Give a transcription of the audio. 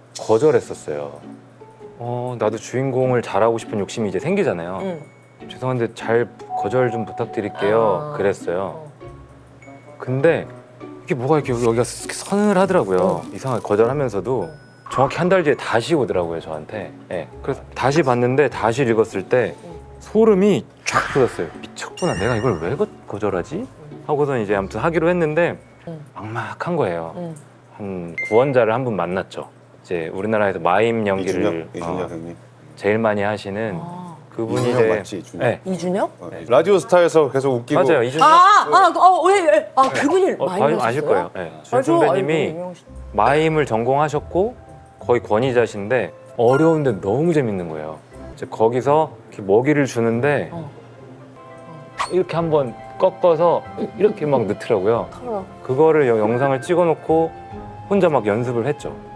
거절했었어요. 나도 주인공을 잘하고 싶은 욕심이 이제 생기잖아요. 응. 죄송한데 잘 거절 좀 부탁드릴게요. 아. 그랬어요. 근데 이게 뭐가 이렇게 여기가 서늘하더라고요. 이상하게 거절하면서도 정확히 한 달 뒤에 다시 오더라고요, 저한테. 네. 그래서 다시 봤는데 다시 읽었을 때 소름이 쫙 돋았어요. 미쳤구나. 내가 이걸 왜 거절하지? 하고서 이제 아무튼 하기로 했는데 막막한 거예요. 한 구원자를 한 분 만났죠. 이제 우리나라에서 마임 연기를 이준혁 형님. 제일 많이 하시는 그분이 이준혁 이제 맞지? 이준혁. 네, 이준혁? 라디오 스타에서 계속 웃기고. 맞아요. 이준혁 왜? 그분이 많이 아실 하셨어요? 거예요. 네. 준 알죠, 선배님이 알고, 유명하시- 마임을 전공하셨고 거의 권위자신데 어려운데 너무 재밌는 거예요. 이제 거기서 이렇게 먹이를 주는데 이렇게 한번 꺾어서 이렇게 막 넣더라고요. 그거를 영상을 찍어놓고 혼자 막 연습을 했죠.